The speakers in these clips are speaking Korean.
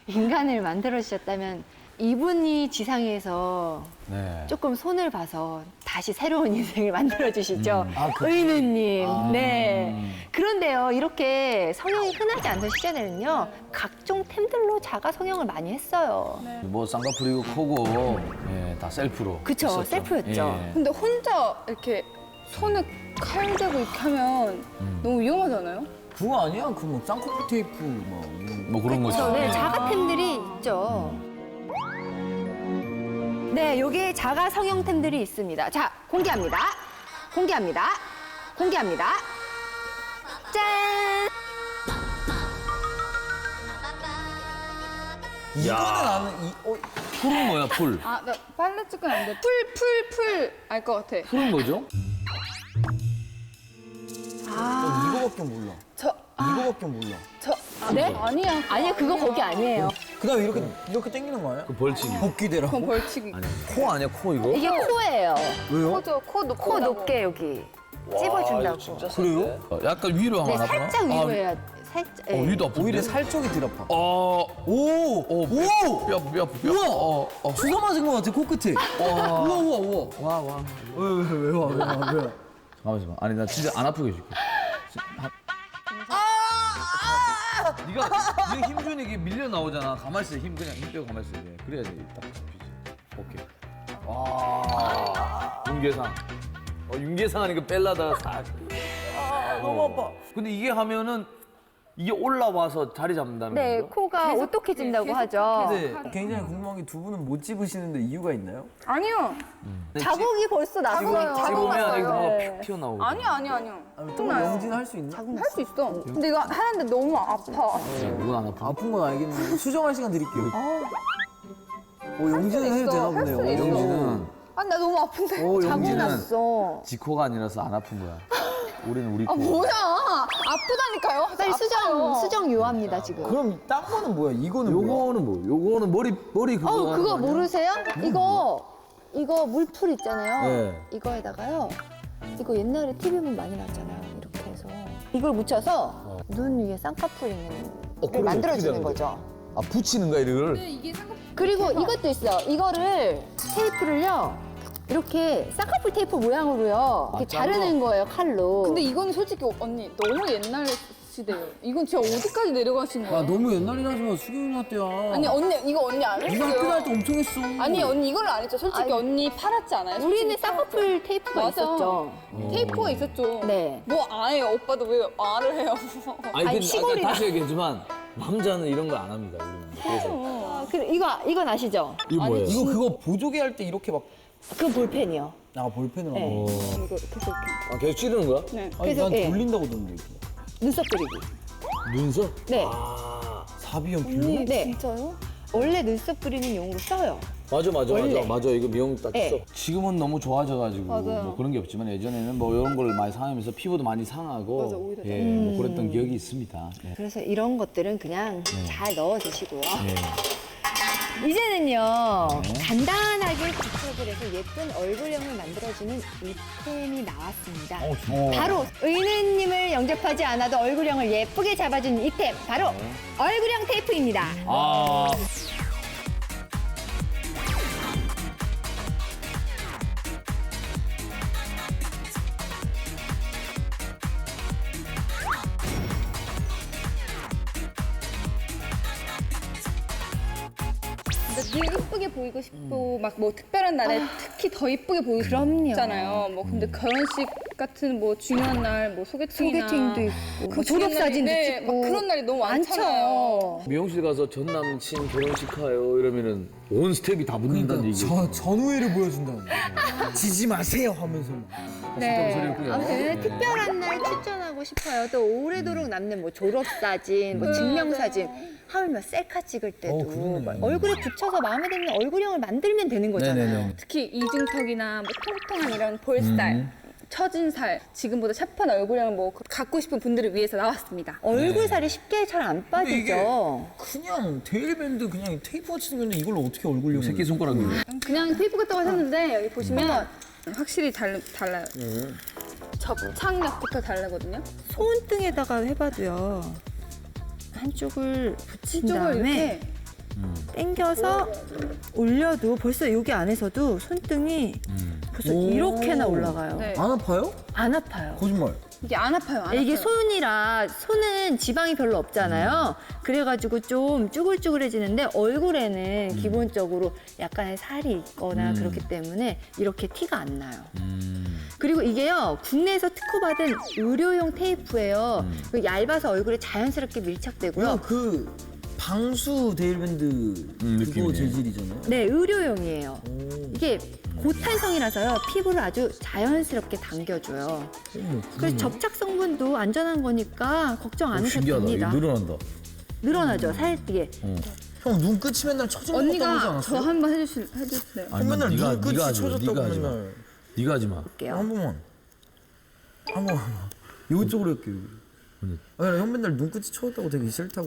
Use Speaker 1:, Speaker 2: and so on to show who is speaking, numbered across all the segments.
Speaker 1: 인간을 만들어 주셨다면 이분이 지상에서
Speaker 2: 네.
Speaker 1: 조금 손을 봐서 다시 새로운 인생을 만들어 주시죠.
Speaker 2: 그-
Speaker 1: 의느님. 네. 그런데요, 이렇게 성형이 흔하지 않던 시절에는요, 각종 템들로 자가 성형을 많이 했어요.
Speaker 2: 뭐 쌍꺼풀이고 코고 예, 다 셀프로.
Speaker 1: 그쵸,
Speaker 2: 했었죠.
Speaker 1: 셀프였죠.
Speaker 2: 예.
Speaker 3: 근데 혼자 이렇게 손에 칼 대고 이렇게 하면 너무 위험하잖아요?
Speaker 4: 그거 아니야? 그 뭐 쌍꺼풀 테이프 뭐 이런 거.
Speaker 2: 뭐 그런 거죠.
Speaker 1: 네,
Speaker 2: 예.
Speaker 1: 자가템들이 있죠. 네, 여기에 자가 성형템들이 있습니다. 자, 공개합니다. 공개합니다. 공개합니다. 짠!
Speaker 4: 이거는 나는
Speaker 2: 풀은 뭐야, 풀?
Speaker 3: 아, 나 빨래 찍으면 안 돼. 풀. 알 것 같아.
Speaker 2: 풀은 뭐죠?
Speaker 4: 이거밖에 몰라. 이거밖에 몰라.
Speaker 1: 네?
Speaker 3: 아니야.
Speaker 1: 아니요, 그거 거기 아니에요.
Speaker 4: 그다음에 이렇게 당기는 거 아니야?
Speaker 2: 그 벌칙이.
Speaker 4: 복귀대라.
Speaker 3: 그건 벌칙이.
Speaker 2: 코 아니야, 코 이거?
Speaker 1: 이게 코예요.
Speaker 4: 왜요?
Speaker 3: 코죠. 코 높고.
Speaker 1: 코 높게 여기 찝어준다고.
Speaker 4: 그래요?
Speaker 2: 약간 위로
Speaker 1: 네,
Speaker 2: 하나
Speaker 1: 살짝 위로 해야 살짝. 예.
Speaker 2: 위도 아픈데?
Speaker 4: 오히려 살 쪽이 덜 아파.
Speaker 2: 오!
Speaker 4: 오!
Speaker 2: 뼈.
Speaker 4: 우와! 주사 맞은 거 같아, 코끝에. 우와.
Speaker 2: 와.
Speaker 4: 왜 와?
Speaker 2: 잠깐만. 아니, 나 진짜 안 아프게 해줄게. 네가 힘 주니 이게 밀려 나오잖아. 가만히 있어. 힘 빼고 가만히 있어. 그래야지 딱 잡히지. 오케이. 와. 윤계상. 윤계상 하니까 뺄라다가 싹.
Speaker 4: 너무 아파.
Speaker 2: 근데 이게 하면은 이게 올라와서 자리 잡는다는
Speaker 1: 네,
Speaker 2: 거죠?
Speaker 1: 코가 오똑해진다고 하죠.
Speaker 4: 근데 굉장히 궁금한 게 두 분은 못 집으시는데 이유가 있나요?
Speaker 3: 아니요.
Speaker 1: 자국이 벌써 났어요.
Speaker 2: 찍으면
Speaker 3: 났어요.
Speaker 2: 이거 뭐가
Speaker 1: 네.
Speaker 2: 픽 튀어나오고.
Speaker 3: 아니요.
Speaker 4: 또 영진 할 수 있나?
Speaker 3: 할 수 있어. 근데 이거 하는데 너무 아파.
Speaker 2: 누군 안 아파?
Speaker 4: 아픈 건 알겠는데 수정할 시간 드릴게요. 영진은 해도 되나
Speaker 3: 할
Speaker 4: 보네요.
Speaker 3: 수 있어.
Speaker 2: 영진은
Speaker 3: 아, 나 너무 아픈데.
Speaker 1: 자국
Speaker 2: 영진은
Speaker 1: 났어.
Speaker 2: 지코가 아니라서 안 아픈 거야. 우리는 우리 코.
Speaker 3: 아, 뭐야. 아프다니까요.
Speaker 1: 빨리
Speaker 3: 아파요.
Speaker 1: 수정 요합니다, 지금.
Speaker 4: 그럼 딴 거는 뭐야? 이거는 뭐야?
Speaker 2: 요거는 뭐? 요거는 머리 그거. 하는
Speaker 1: 그거
Speaker 2: 거 아니야?
Speaker 1: 모르세요? 이거 물풀 있잖아요.
Speaker 2: 네.
Speaker 1: 이거에다가요. 이거 옛날에 TV만 많이 나왔잖아요. 이렇게 해서 이걸 묻혀서 눈 위에 쌍꺼풀 있는 걸
Speaker 2: 그럼
Speaker 1: 만들어주는
Speaker 2: 어떻게 되는
Speaker 1: 거죠.
Speaker 2: 아 붙이는 거야 이거를?
Speaker 1: 그리고 이것도 있어요. 이거를 테이프를요. 이렇게 쌍꺼풀 테이프 모양으로요. 이렇게 자르는 거예요, 칼로.
Speaker 3: 근데 이건 솔직히 언니 너무 옛날 시대예요. 이건 진짜 어디까지 내려가신 거예요?
Speaker 4: 너무 옛날이라지만 수경이 누나 때야.
Speaker 3: 아니 언니 이거 언니 안
Speaker 4: 네가 학교 다닐
Speaker 3: 했어요.
Speaker 4: 때 엄청 했어.
Speaker 3: 아니 언니 이걸 안 했죠. 솔직히
Speaker 1: 아니,
Speaker 3: 언니 팔았지 않아요?
Speaker 1: 우리는
Speaker 3: 솔직히
Speaker 1: 쌍꺼풀 테이프가
Speaker 3: 맞아.
Speaker 1: 있었죠.
Speaker 3: 테이프가 있었죠.
Speaker 1: 네.
Speaker 3: 뭐 아예요. 오빠도 왜 말을 해요?
Speaker 2: 아니 근데
Speaker 1: 시골이라.
Speaker 2: 다시 얘기했지만 남자는 이런 거 안 합니다. 우리는. 그래서
Speaker 1: 이건 아시죠?
Speaker 2: 이거 뭐예요?
Speaker 4: 이거 그거 보조개 할 때 이렇게 막
Speaker 1: 그건 볼펜이요.
Speaker 4: 볼펜으로
Speaker 1: 네.
Speaker 4: 하고.
Speaker 1: 이거 계속 이렇게.
Speaker 2: 아 계속 찌르는 거야?
Speaker 3: 네.
Speaker 4: 아니
Speaker 1: 그래서,
Speaker 4: 난
Speaker 1: 예.
Speaker 4: 돌린다고 들었는데 이렇게.
Speaker 1: 눈썹 그리기.
Speaker 2: 눈썹?
Speaker 1: 네.
Speaker 2: 아
Speaker 4: 사비형 필로?
Speaker 1: 네.
Speaker 3: 진짜요?
Speaker 1: 원래 눈썹 그리는 용으로 써요.
Speaker 2: 맞아. 이거 미용 딱
Speaker 1: 네.
Speaker 2: 써. 지금은 너무 좋아져가지고
Speaker 3: 맞아요.
Speaker 2: 뭐 그런 게 없지만 예전에는 뭐 이런 걸 많이 사용하면서 피부도 많이 상하고
Speaker 3: 맞아, 오히려
Speaker 2: 예, 뭐 그랬던 기억이 있습니다. 예.
Speaker 1: 그래서 이런 것들은 그냥 잘 넣어 주시고요.
Speaker 2: 예.
Speaker 1: 이제는요, 간단하게 부착을 해서 예쁜 얼굴형을 만들어주는 이템이 나왔습니다. 바로 의느님을 영접하지 않아도 얼굴형을 예쁘게 잡아주는 이템, 바로 얼굴형 테이프입니다.
Speaker 2: 아
Speaker 3: 근데 늘 이쁘게 보이고 싶고 막 뭐 특별한 날에 특히 더 이쁘게 보이고
Speaker 1: 그럼요.
Speaker 3: 싶잖아요. 뭐 근데 결혼식 같은 뭐 중요한 날 뭐 소개팅이나
Speaker 1: 소개팅도 있고,
Speaker 3: 그
Speaker 1: 뭐 졸업사진도
Speaker 3: 네,
Speaker 1: 찍고.
Speaker 3: 막 그런 날이 너무 많잖아요.
Speaker 1: 많죠.
Speaker 2: 미용실 가서 전 남친 결혼식 하요 이러면은 온 스텝이 다 붙는다는 얘기.
Speaker 4: 전우회를 보여준다는데. 지지 마세요 하면서 막.
Speaker 1: 네. 아무튼 특별한 날 추천하고 싶어요. 또 오래도록 남는 뭐 졸업사진, 뭐 증명사진, 하물며 셀카 찍을 때도
Speaker 4: 그러네.
Speaker 1: 막 얼굴에 붙여서 마음에 드는 얼굴형을 만들면 되는 거잖아요.
Speaker 3: 특히 이중턱이나 뭐 통통한 이런 볼살, 처진 살, 지금보다 샤프한 얼굴형을 뭐 갖고 싶은 분들을 위해서 나왔습니다.
Speaker 1: 얼굴 살이 쉽게 잘 안
Speaker 4: 근데 이게
Speaker 1: 빠지죠.
Speaker 4: 그냥 데일밴드 그냥 테이프 같이 생겼는데 이걸로 어떻게 얼굴용?
Speaker 2: 새끼 손가락이.
Speaker 3: 그냥 테이프 같다고 샀는데 여기 보시면 확실히 달라요. 접착력부터 다르거든요.
Speaker 1: 손등에다가 해봐도요. 한쪽을 붙인
Speaker 3: 이쪽을
Speaker 1: 다음에
Speaker 3: 이렇게
Speaker 1: 당겨서 올려도 벌써 여기 안에서도 손등이 벌써
Speaker 4: 오.
Speaker 1: 이렇게나 올라가요.
Speaker 3: 네.
Speaker 4: 안 아파요?
Speaker 1: 안 아파요.
Speaker 4: 거짓말.
Speaker 3: 이게 안 아파요. 안
Speaker 1: 이게
Speaker 3: 아파요.
Speaker 1: 손이라 손은 지방이 별로 없잖아요. 그래가지고 좀 쭈글쭈글해지는데 얼굴에는 기본적으로 약간의 살이 있거나 그렇기 때문에 이렇게 티가 안 나요. 그리고 이게요 국내에서 특허받은 의료용 테이프예요. 그 얇아서 얼굴에 자연스럽게 밀착되고요.
Speaker 4: 이거 그 방수 데일밴드 그거
Speaker 2: 느낌이네.
Speaker 4: 재질이잖아요.
Speaker 1: 네, 의료용이에요.
Speaker 4: 오.
Speaker 1: 이게 고탄성이라서요 피부를 아주 자연스럽게 당겨줘요. 그래서 접착 성분도 안전한 거니까 걱정 안 하셔도
Speaker 2: 신기하다.
Speaker 1: 됩니다.
Speaker 2: 이거 늘어난다.
Speaker 1: 늘어나죠 살띠게.
Speaker 4: 형 눈끝이 맨날 처진 것 같다고 하지
Speaker 3: 언니가 저
Speaker 4: 않았어요?
Speaker 3: 한번 해주세요.
Speaker 2: 아니,
Speaker 4: 맨날
Speaker 2: 네가
Speaker 4: 눈끝이
Speaker 2: 하지 마.
Speaker 4: 처졌다고
Speaker 2: 네가 하지 마.
Speaker 4: 맨날.
Speaker 2: 네가 하지 마.
Speaker 1: 볼게요.
Speaker 4: 한 번만. 한 번만. 이쪽으로 할게요. 아니, 형 맨날 눈끝이 처졌다고 되게 싫다고.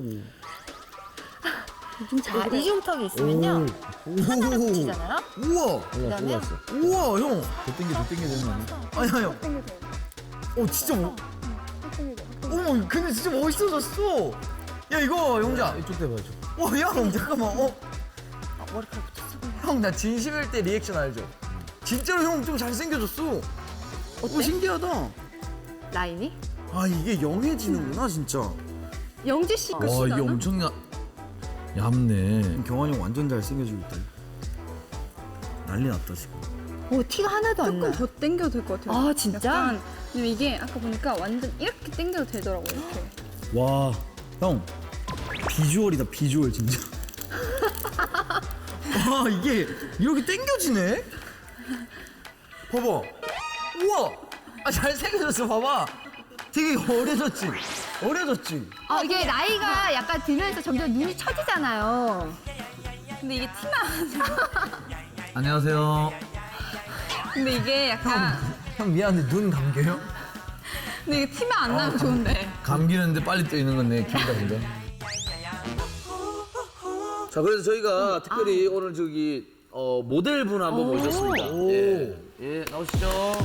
Speaker 1: 자, 이중턱이 있으면요. 하나가
Speaker 4: 오.
Speaker 1: 붙이잖아요.
Speaker 4: 우와.
Speaker 1: 그다음에
Speaker 4: 우와, 형.
Speaker 2: 더 땡겨 되는 거 아니야?
Speaker 4: 아니야, 형. 진짜 어머, 근데 진짜 멋있어졌어. 야, 이거 영자.
Speaker 2: 이쪽 대봐 줘.
Speaker 4: 형, 잠깐만.
Speaker 1: 머리카락 붙였어.
Speaker 4: 형, 나 진심일 때 리액션 알죠? 진짜로 형 좀 잘생겨졌어. 오, 신기하다.
Speaker 1: 라인이?
Speaker 4: 아, 이게 영해지는구나, 진짜.
Speaker 3: 영지 씨
Speaker 2: 와
Speaker 3: 끝이
Speaker 2: 이게
Speaker 3: 나나?
Speaker 2: 엄청 얇네.
Speaker 4: 경환이 형 완전 잘생겨지고 있다. 난리 났다, 지금.
Speaker 1: 오 티가 하나도 안 나.
Speaker 3: 조금 더 당겨도 될 것 같아요.
Speaker 1: 아, 진짜?
Speaker 3: 약간, 왜냐면 이게 아까 보니까 완전 이렇게 당겨도 되더라고요. 이렇게.
Speaker 4: 와, 형. 비주얼이다, 비주얼, 진짜. 와, 이게 이렇게 당겨지네? 봐봐. 우와! 잘생겨졌어, 봐봐. 되게 어려졌지? 어려졌지?
Speaker 1: 아 이게 나이가 약간 들면서 점점 눈이 처지잖아요.
Speaker 3: 근데 이게 티나.
Speaker 2: 안녕하세요.
Speaker 3: 근데 이게 약간.
Speaker 4: 형 미안한데 눈 감겨요?
Speaker 3: 근데 이게 티만 안 나면 좋은데.
Speaker 2: 감기는데 빨리 떠 있는 건 내 기분 같은데. 자 그래서 저희가 특별히 오늘 저기 모델분 한번 모셨습니다. 예, 나오시죠.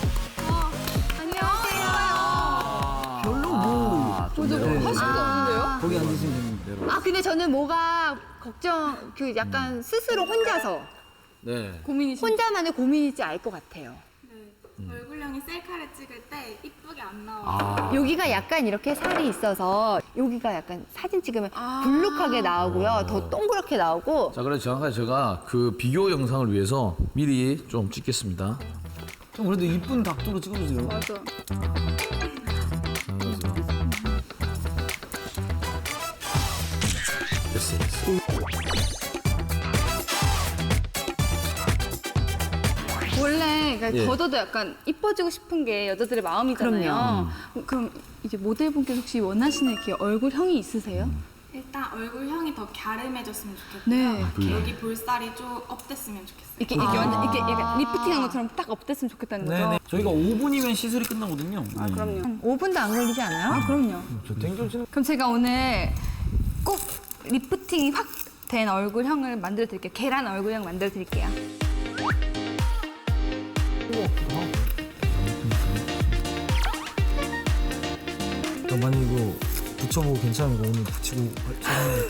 Speaker 3: 안녕하세요.
Speaker 4: 별로 뭐.
Speaker 3: 저도 뭐 하실 게 없는데요?
Speaker 4: 거기 앉으시면 됩니다.
Speaker 1: 아 근데 저는 뭐가 걱정 그 약간 스스로 혼자서
Speaker 2: 네.
Speaker 3: 고민이신.
Speaker 1: 혼자만의 고민일지 알 것 같아요.
Speaker 5: 얼굴형이 셀카를 찍을 때 이쁘게 안 나와요.
Speaker 1: 여기가 약간 이렇게 살이 있어서 여기가 약간 사진 찍으면 불룩하게 나오고요. 더 동그랗게 나오고.
Speaker 2: 자 그래서 정확하게 제가 그 비교 영상을 위해서 미리 좀 찍겠습니다.
Speaker 4: 형 그래도 이쁜 각도로 찍어주세요.
Speaker 3: 맞아.
Speaker 2: 됐어.
Speaker 3: 원래 그러니까
Speaker 2: 예.
Speaker 3: 걷어도 약간 이뻐지고 싶은 게 여자들의 마음이잖아요. 그럼 이제 모델분께서 혹시 원하시는 이렇게 얼굴형이 있으세요?
Speaker 5: 일단 얼굴형이 더 갸름해졌으면
Speaker 3: 네.
Speaker 5: 좋겠고요. 여기 볼살이 좀 업됐으면 좋겠어요.
Speaker 3: 이렇게 완전 이렇게 약간 리프팅한 것처럼 딱 업됐으면 좋겠다는 거죠.
Speaker 4: 네네. 저희가 5분이면 시술이 끝나거든요.
Speaker 3: 아 그럼요.
Speaker 1: 5분도 안 걸리지 않아요?
Speaker 3: 아 그럼요.
Speaker 4: 저 땡겨지는.
Speaker 3: 그럼 제가 오늘 꼭 리프팅이 확 된 얼굴형을 만들어 드릴게요. 계란 얼굴형 만들어 드릴게요.
Speaker 4: 나 만약 이거 붙여보고 괜찮은 거 오늘 붙이고 촬영해.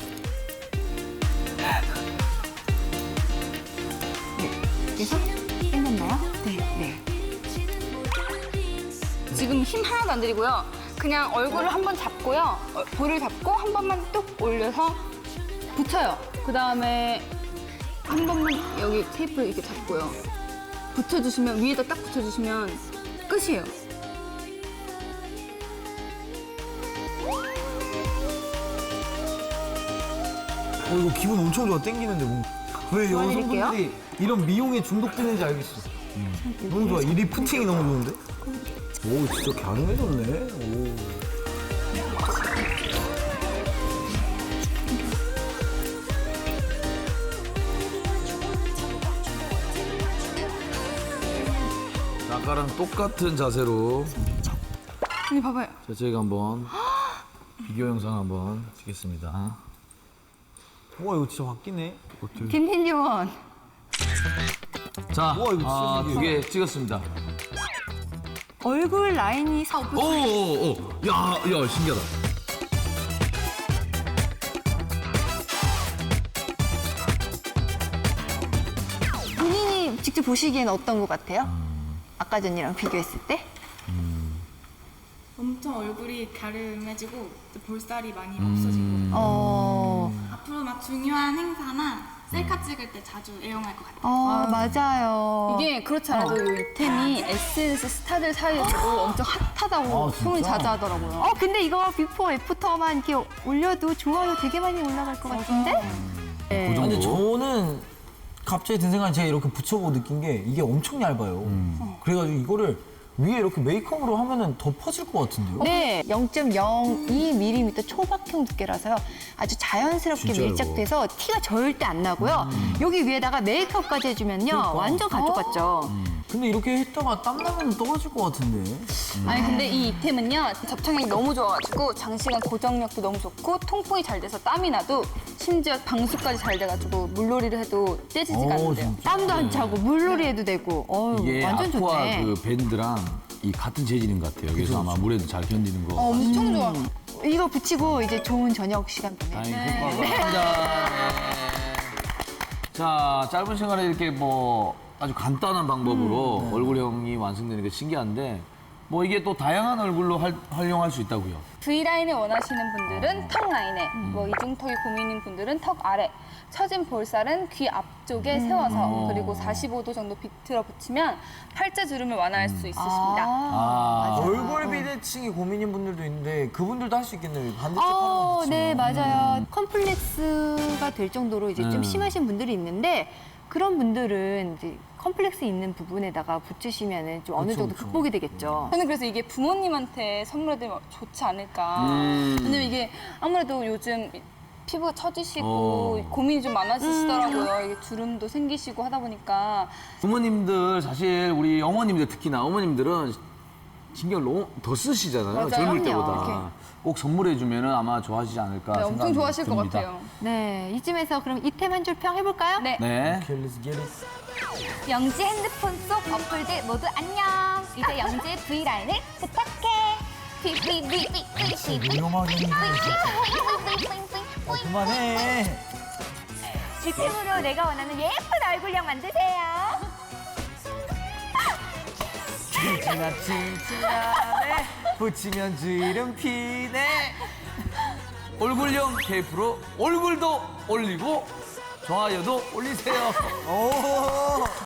Speaker 1: 그래서 끝났나요? 네. 네.
Speaker 3: 지금 힘 하나도 안 들이고요. 그냥 얼굴을 한번 잡고요. 볼을 잡고 한 번만 뚝 올려서 붙여요. 그 다음에 한 번만 여기 테이프를 이렇게 잡고요. 붙여주시면 위에다 딱 붙여주시면 끝이에요.
Speaker 4: 이거 기분 엄청 좋아. 땡기는데 뭔가. 왜
Speaker 1: 도와드릴게요.
Speaker 4: 여성분들이 이런 미용에 중독되는지 알겠어. 너무 좋아. 이 리프팅이 너무 좋은데? 오, 진짜 갸름해졌네. 오.
Speaker 2: 자, 아까랑 똑같은 자세로
Speaker 3: 여기 봐봐요.
Speaker 2: 자, 저희가 한번 비교 영상 한번 찍겠습니다.
Speaker 4: 와, 이거 진짜 바뀌네.
Speaker 1: 김태년.
Speaker 2: 자,
Speaker 4: 우와, 이거 진짜
Speaker 2: 두 개 찍었습니다.
Speaker 1: 얼굴 라인이
Speaker 2: 오, 야, 신기하다.
Speaker 1: 직접 보시기에는 어떤 것 같아요? 아까 전이랑 비교했을 때?
Speaker 5: 엄청 얼굴이 갸름해지고 이제 볼살이 많이 없어지고 앞으로 막 중요한 행사나 셀카 찍을 때 자주 애용할 것 같아요.
Speaker 1: 맞아요.
Speaker 3: 이게 그렇지 않아도 이 이템이 SNS 스타들 사이에서도 엄청 핫하다고 소문이 자주 하더라고요.
Speaker 1: 근데 이거 비포 애프터만 이렇게 올려도 좋아요 되게 많이 올라갈 것 같은데? 네.
Speaker 4: 아, 근데 저는 갑자기 든 생각이 제가 이렇게 붙여보고 느낀 게 이게 엄청 얇아요. 그래가지고 이거를 위에 이렇게 메이크업으로 하면은 더 퍼질 것 같은데요?
Speaker 1: 네, 0.02mm 초박형 두께라서요. 아주 자연스럽게
Speaker 4: 진짜요?
Speaker 1: 밀착돼서 티가 절대 안 나고요. 여기 위에다가 메이크업까지 해주면요. 완전 가족 같죠?
Speaker 4: 근데 이렇게 했다가 땀 나면 떨어질 것 같은데.
Speaker 3: 아니 근데 이 이템은요 접착력이 너무 좋아가지고 장시간 고정력도 너무 좋고 통풍이 잘 돼서 땀이 나도 심지어 방수까지 잘 돼가지고 물놀이를 해도 떼지지가 않는데요.
Speaker 1: 땀도 안 차고 물놀이 해도 되고.
Speaker 6: 이게
Speaker 1: 완전
Speaker 6: 아쿠아
Speaker 1: 좋네.
Speaker 6: 그 밴드랑 이 같은 재질인 것 같아요. 그래서 아마 물에도 잘 견디는 거.
Speaker 3: 엄청 좋아.
Speaker 1: 이거 붙이고 이제 좋은 저녁 시간 보내.
Speaker 6: 다행히 효과가.
Speaker 2: 자, 짧은 시간에 이렇게 뭐 아주 간단한 방법으로 얼굴형이 완성되는 게 신기한데 뭐 이게 또 다양한 얼굴로 활용할 수 있다고요.
Speaker 3: V라인을 원하시는 분들은 턱 라인에, 뭐 이중턱이 고민인 분들은 턱 아래, 처진 볼살은 귀 앞쪽에 세워서 그리고 45도 정도 비틀어 붙이면 팔자 주름을 완화할 수 있으십니다.
Speaker 4: 얼굴 비대칭이 고민인 분들도 있는데 그분들도 할 수 있겠네요. 반대쪽 하나만 붙이면.
Speaker 1: 네, 맞아요. 컴플렉스가 될 정도로 이제 좀 심하신 분들이 있는데 그런 분들은 이제 컴플렉스 있는 부분에다가 붙이시면은 좀 어느 정도 극복이 되겠죠.
Speaker 3: 저는 그래서 이게 부모님한테 선물해드리면 좋지 않을까. 왜냐면 이게 아무래도 요즘 피부가 처지시고 고민이 좀 많아지시더라고요. 이게 주름도 생기시고 하다 보니까.
Speaker 2: 부모님들 사실 우리 어머님들 특히나 어머님들은 신경을 너무 더 쓰시잖아요.
Speaker 3: 맞아요.
Speaker 2: 젊을
Speaker 3: 그럼요.
Speaker 2: 때보다.
Speaker 3: 이렇게.
Speaker 2: 꼭 선물해주면 아마 좋아하시지 않을까
Speaker 3: 네,
Speaker 2: 생각이
Speaker 3: 엄청 좋아하실 것
Speaker 2: 듭니다.
Speaker 3: 같아요.
Speaker 1: 네, 이쯤에서 그럼 이템 한 줄 평 해볼까요?
Speaker 3: 네.
Speaker 2: 네.
Speaker 4: Okay, let's get it.
Speaker 7: 영지 핸드폰 속 어플들 모두 안녕. 이제 영지의 V라인을 부탁해.
Speaker 4: 위험하게 그만해.
Speaker 7: 이템으로 내가 원하는 예쁜 얼굴형 만드세요.
Speaker 4: 칭칭하네 붙이면 주름 피네.
Speaker 2: 얼굴형 테이프로 얼굴도 올리고 좋아요도 올리세요.
Speaker 4: 오.